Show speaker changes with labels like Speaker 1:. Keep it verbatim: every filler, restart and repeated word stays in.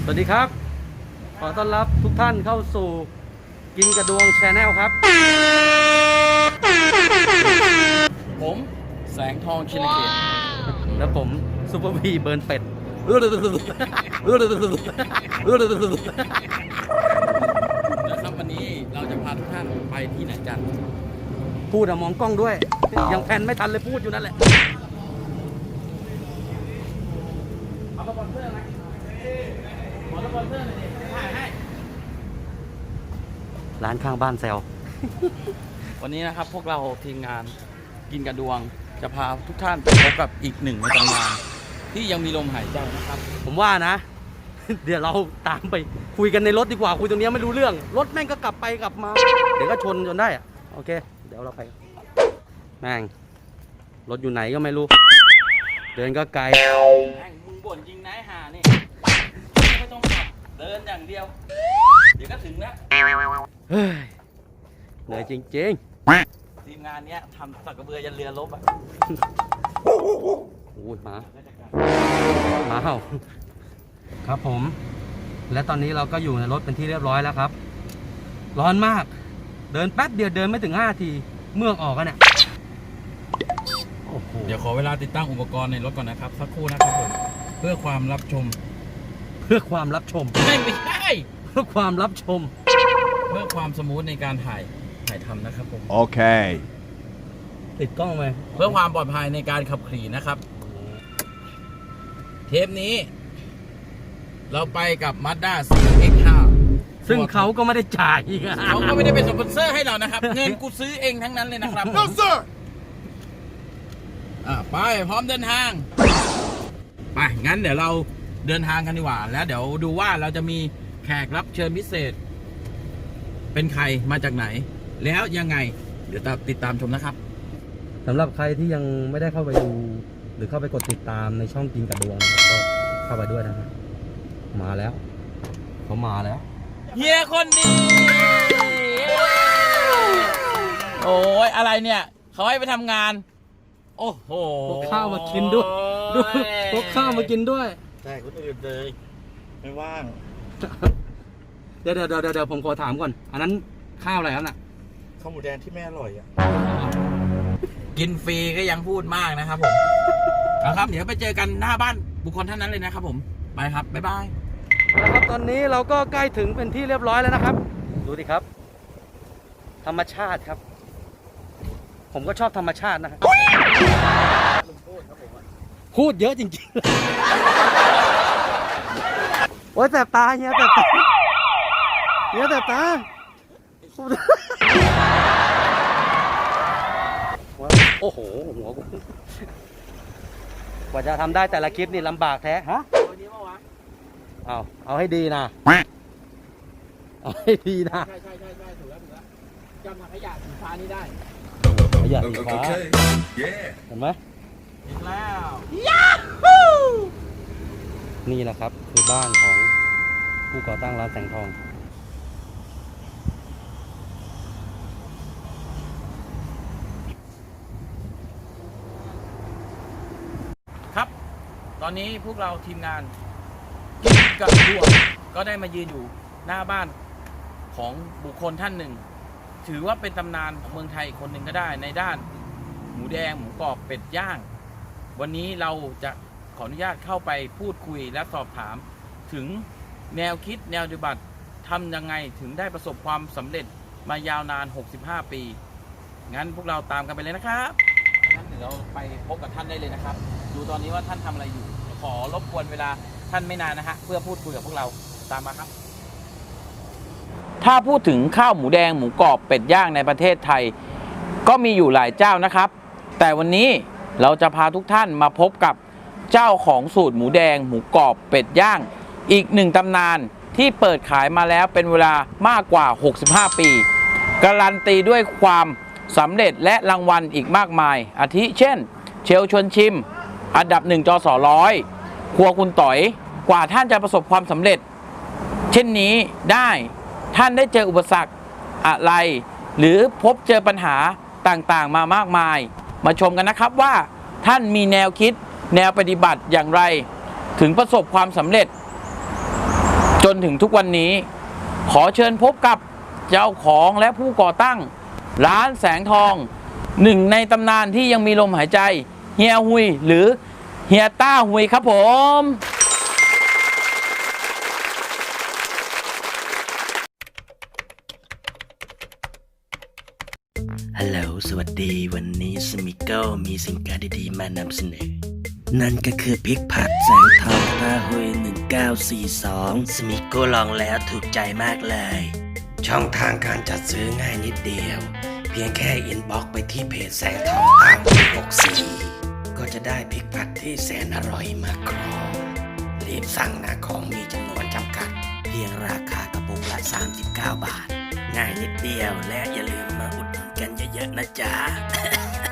Speaker 1: สวัสดีครับขอต้อนรับทุกท่านเข้าสู่กินกระดวงแชนแนลครับ
Speaker 2: ผมแสงทองชินเขต
Speaker 1: แล้วผมซูเปอร์พีเบิร์นเป็ด
Speaker 2: นะครับวันนี้เราจะพาทุกท่านไปที่ไหนกัน
Speaker 1: พูดอะมองกล้องด้วยยังแพนไม่ทันเลยพูดอยู่นั่นแหละเอาสปอนเซอร์ไหมขอสปอนเซอร์หน่อยดิถ่ายให้ร้านข้างบ้านแซว
Speaker 2: วันนี้นะครับพวกเราทีมงานกินกระดวงจะพาทุกท่านไปพบกับอีกหนึ่งในตำนานที่ยังมีลมหายใจนะครับ
Speaker 1: ผมว่านะ เดี๋ยวเราตามไปคุยกันในรถดีกว่าคุยตรงนี้ไม่รู้เรื่องรถแม่งก็กลับไปกลับมาเดี๋ยวก็ชนจนได้อะโอเคเดี๋ยวเราไปแม่งรถอยู่ไหนก็ไม่รู้เดินก็ไกล
Speaker 2: แม่งมึงบ่นจริงนะห่านี่ไม่ต้องขับเดินอย่างเดียวเดี๋ยวก็ถึงแล้ว
Speaker 1: เฮ้ยเหนื่อยจริง
Speaker 2: ๆทีมงานเนี้ยทำสักกระเบือยันเรือลบอ่ะ
Speaker 1: โอ้ยมามาเห่าครับผมและตอนนี้เราก็อยู่ในรถเป็นที่เรียบร้อยแล้วครับร้อนมากเดินแป๊บเดียวเดินไม่ถึงห้าทีเมือกออกกันเนี่ย
Speaker 2: เดี๋ยวขอเวลาติดตั้งอุปกรณ์ในรถก่อนนะครับสักครู่นะครับผมเพื่อความรับชม
Speaker 1: เพื่อความรับชม
Speaker 2: ไม่ไม่ใช่
Speaker 1: เพื่อความรับชม
Speaker 2: เพื่อความสมูทในการถ่ายถ่ายทำนะครับผม
Speaker 3: โอเค
Speaker 1: ติดกล้องไหม
Speaker 2: เพื่อความปลอดภัยในการขับขี่นะครับเทปนี้เราไปกับ Mazda ซี เอ็กซ์ ห้า
Speaker 1: ซึ่งเขาก็ไม่ได้จ่าย
Speaker 2: เขาก็ไม่ได้เป็นสปอนเซอร์ให้เรานะครับเงินกูซื้อเองทั้งนั้นเลยนะครับ
Speaker 3: No sir
Speaker 2: อ่ะไปพร้อมเดินทางไปงั้นเดี๋ยวเราเดินทางกันดีกว่าแล้วเดี๋ยวดูว่าเราจะมีแขกรับเชิญพิเศษเป็นใครมาจากไหนแล้วยังไงเดี๋ยวติดตามชมนะครับ
Speaker 1: สำหรับใครที่ยังไม่ได้เข้าไปดูหรือเข้าไปกดติดตามในช่องกินกระดวงก็เข้าไปด้วยนะครับมาแล้วเขามาแล้ว
Speaker 2: เฮียคนดีโอ้ยอะไรเนี่ยเขาให้ไปทำงานโอ้โห
Speaker 1: พกข้าวมากินด้วยดูพกข้าวมากินด้วย
Speaker 2: ใช่คนอื่นเลยไม่ว่าง
Speaker 1: เดี๋ยวเดี๋ยวเดี๋ยวเดี๋ยวผมขอถามก่อนอันนั้นข้าวอะไรครับน่ะ
Speaker 4: ข้าวหมูแดงที่แม่อร่อยอ่ะ
Speaker 2: กินฟรีก็ยังพูดมากนะครับผมเอาครับเดี๋ยวไปเจอกันหน้าบ้านบุคคลท่านนั้นเลยนะครับผมไปครับบ๊ายบาย
Speaker 1: นะครับตอนนี้เราก็ใกล้ถึงเป็นที่เรียบร้อยแล้วนะครับดูดิครับธรรมชาติครับผมก็ชอบธรรมชาตินะครับพูดเยอะจริงๆโอ้ยแสบตาเฮียแสบตาเฮียแสบตาโอ้โหหัวกูกว่าจะทำได้แต่ละคลิปนี่ลำบากแท้ฮะเอาเอาให้ดีนะเอาให้ดีนะ
Speaker 2: ใช่ใช่ใช่ใช่ถูกแล้วถูกแล้วจำถังขยะสีฟ้านี้ได้
Speaker 1: ขยะสีฟ้าเห็นไหม
Speaker 2: อีกแล้ว
Speaker 1: นี่แหละครับคือบ้านของผู้ก่อตั้งร้านแสงทอง
Speaker 2: ครับตอนนี้พวกเราทีมงานกินกระดวงก็ได้มายืนอยู่หน้าบ้านของบุคคลท่านหนึ่งถือว่าเป็นตำนานของเมืองไทยคนหนึ่งก็ได้ในด้านหมูแดงหมูกรอบเป็ดย่างวันนี้เราจะขออนุญาตเข้าไปพูดคุยและสอบถามถึงแนวคิดแนวปฏิบัติทำยังไงถึงได้ประสบความสำเร็จมายาวนานหกสิบห้าปีงั้นพวกเราตามกันไปเลยนะครับงั้นเดี๋ยวเราไปพบกับท่านได้เลยนะครับดูตอนนี้ว่าท่านทำอะไรอยู่ขอรบกวนเวลาท่านไม่นานนะฮะเพื่อพูดคุยกับพวกเราตามมาครับถ้าพูดถึงข้าวหมูแดงหมูกรอบเป็ดย่างในประเทศไทยก็มีอยู่หลายเจ้านะครับแต่วันนี้เราจะพาทุกท่านมาพบกับเจ้าของสูตรหมูแดงหมูกรอบเป็ดย่างอีกหนึ่งตำนานที่เปิดขายมาแล้วเป็นเวลามากกว่าหกสิบห้าปีการันตีด้วยความสำเร็จและรางวัลอีกมากมายอาทิเช่นเชลชวนชิมอันดับหนึ่งจสร้อยครัวคุณต่อยกว่าท่านจะประสบความสำเร็จเช่นนี้ได้ท่านได้เจออุปสรรคอะไรหรือพบเจอปัญหาต่างๆมามากมายมาชมกันนะครับว่าท่านมีแนวคิดแนวปฏิบัติอย่างไรถึงประสบความสำเร็จจนถึงทุกวันนี้ ขอเชิญพบกับเจ้าของและผู้ก่อตั้ง ร้านแสงทอง หนึ่งในตำนานที่ยังมีลมหายใจ เฮียหุยหรือเฮียต้าหุยครับผม
Speaker 3: ฮัลโหล สวัสดี วันนี้สมิโก้มีสิ่งการดีๆมานำเสนอ นั่นก็คือพริกผัดแสงทองต้าหุยหนึ่งเก้าสี่สองสมิโก้ลองแล้วถูกใจมากเลย ช่องทางการจัดซื้อง่ายนิดเดียว เพียงแค่อินบ็อกซ์ไปที่เพจแสงทองต้าหุยหกสี่ก็จะได้พริกผัดที่แสนอร่อยมาครองรีบสั่งนะของมีจำนวนจำกัด เพียงราคากระปุกละสามสิบเก้าบาท ง่ายนิดเดียวและอย่าลืมมาอุดหนุนกันเยอะๆนะจ๊ะ